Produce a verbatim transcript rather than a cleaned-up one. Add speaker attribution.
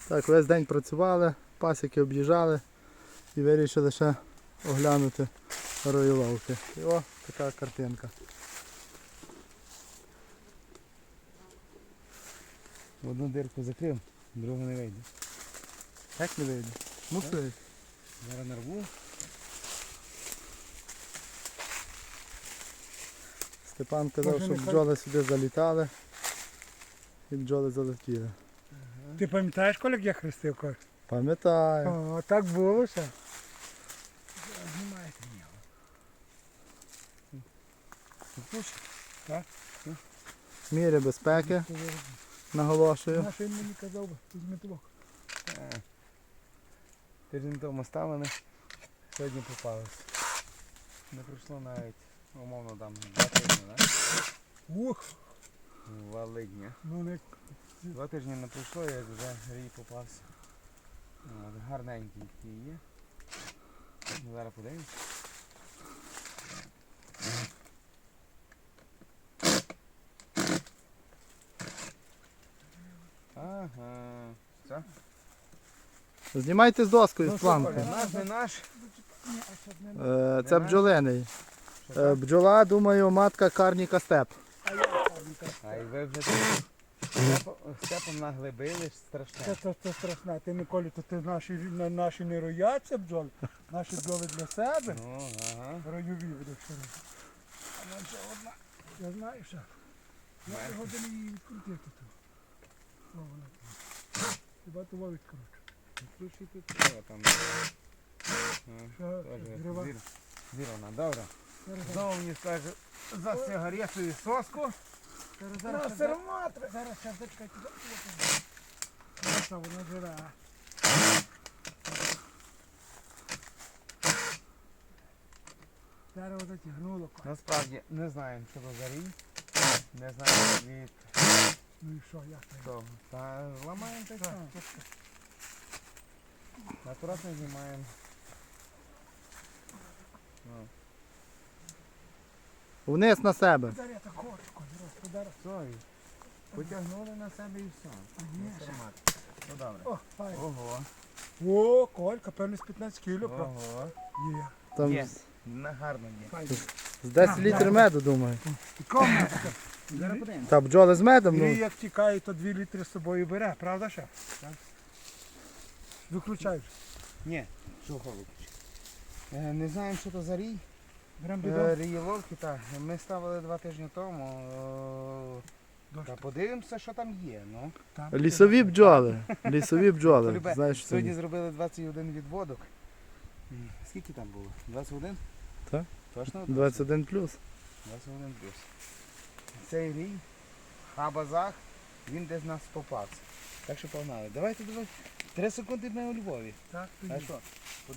Speaker 1: Так, весь день працювали, пасіки об'їжджали і вирішили ще оглянути роїловки. І о, така картинка.
Speaker 2: Одну дирку закрив, другу не вийде.
Speaker 1: Як не вийде? Мусить.
Speaker 2: Зараз нарву.
Speaker 1: Степан казав,
Speaker 3: Може,
Speaker 1: що
Speaker 3: нехай-
Speaker 1: бджоли сюди залітали і бджоли залетіли.
Speaker 3: Ти пам'ятаєш, коли як я хрестив когось?
Speaker 1: Пам'ятаю.
Speaker 3: О, так було ще. Знімаєте мені. Так?
Speaker 1: Міри безпеки, наголошую.
Speaker 3: Наш він мені казав, би, візьми тулок.
Speaker 2: Е, Тиждень тому ставили, сьогодні попалися. Не пройшло навіть, умовно, там два тижні, так?
Speaker 3: Ух,
Speaker 2: Валидня.
Speaker 3: ну не...
Speaker 2: Два тижні не пройшло, як вже рій попався. От, гарненький такий є. Ну, зараз подивимось. Ага. Все?
Speaker 1: Знімайте з доскою,
Speaker 3: Ну,
Speaker 1: з
Speaker 3: що,
Speaker 1: планки.
Speaker 3: Коля?
Speaker 2: Наш, не наш.
Speaker 3: Ні, а щоб не...
Speaker 1: Е, Це бджолиний.
Speaker 2: Що
Speaker 1: Е,
Speaker 2: так?
Speaker 1: Бджола, думаю, матка Карніка Степ.
Speaker 3: А я пам'ятаю.
Speaker 2: А і ви вже тут степом, степом наглибили, страшне.
Speaker 3: Це, це, це страшне. Ти, Миколі, то ти наші, на- наші не рояться бджоли, наші бджоли для себе.
Speaker 2: Ну, ага.
Speaker 3: Ройові будеш ще раз. А нам ще одна. Я знаю ще. Я
Speaker 2: Знаєш?
Speaker 3: годину її відкрутити тут. О, вона там. Хіба того відкручу.
Speaker 2: Ключі тут треба там. Ну,
Speaker 3: Що,
Speaker 2: теж
Speaker 3: зрива?
Speaker 2: зір- Зірвана, добре.
Speaker 3: Зараз,
Speaker 2: Знову мені скаже за сигарету і соску.
Speaker 3: зараз,
Speaker 2: На
Speaker 3: зараз, зараз,
Speaker 2: серматри.
Speaker 3: зараз, зараз, зачекайте. Зараз вона живе. Зараз вона тягнуло.
Speaker 2: Насправді не знаємо, що то за рій. Не знаємо від
Speaker 3: Ну і що, як це?
Speaker 2: того. Та ламаємо та й
Speaker 3: Так.
Speaker 2: все. Акуратно знімаємо. Ну,
Speaker 1: Вниз на себе.
Speaker 3: Зараз я так хочу, зараз, зараз.
Speaker 2: все, і потягнули на себе і все.
Speaker 3: Ні,
Speaker 2: На
Speaker 3: ще.
Speaker 2: серматри. Ну добре.
Speaker 3: О, файно.
Speaker 2: Ого.
Speaker 3: О, Колька, певно з п'ятнадцять кіло. правда?
Speaker 2: Ого.
Speaker 3: Є.
Speaker 1: Там
Speaker 2: Є.
Speaker 1: з-
Speaker 2: На гарно є.
Speaker 3: Файно.
Speaker 1: з десять літрів меду, думаю.
Speaker 3: І комнатка.
Speaker 2: Зараз подивимося.
Speaker 1: Та бджоли з медом,
Speaker 3: І
Speaker 1: ну.
Speaker 3: як тікає, то дві літри з собою бере, правда ще? Так. Виключай вже.
Speaker 2: Ні, чого виключити? Е, Не знаємо, що то за рій.
Speaker 3: Беремо
Speaker 2: Е,
Speaker 3: бідон.
Speaker 2: Рієловки, так. Ми ставили два тижні тому. Е,
Speaker 3: Дощ.
Speaker 2: Та подивимося, що там є. Ну.
Speaker 3: Там.
Speaker 1: Лісові бджоли. Лісові бджоли.
Speaker 2: Любе,
Speaker 1: Знаєш, що
Speaker 2: Сьогодні
Speaker 1: це?
Speaker 2: зробили двадцять один відводок. Скільки там було? двадцять один?
Speaker 1: Так.
Speaker 2: Точно?
Speaker 1: двадцять один плюс.
Speaker 2: двадцять один плюс. Цей рій, хабазах, він десь нас попався. Так що погнали. Давайте, давайте. Три секунди ми у Львові.
Speaker 3: Так,
Speaker 2: А
Speaker 3: тоді.
Speaker 2: що?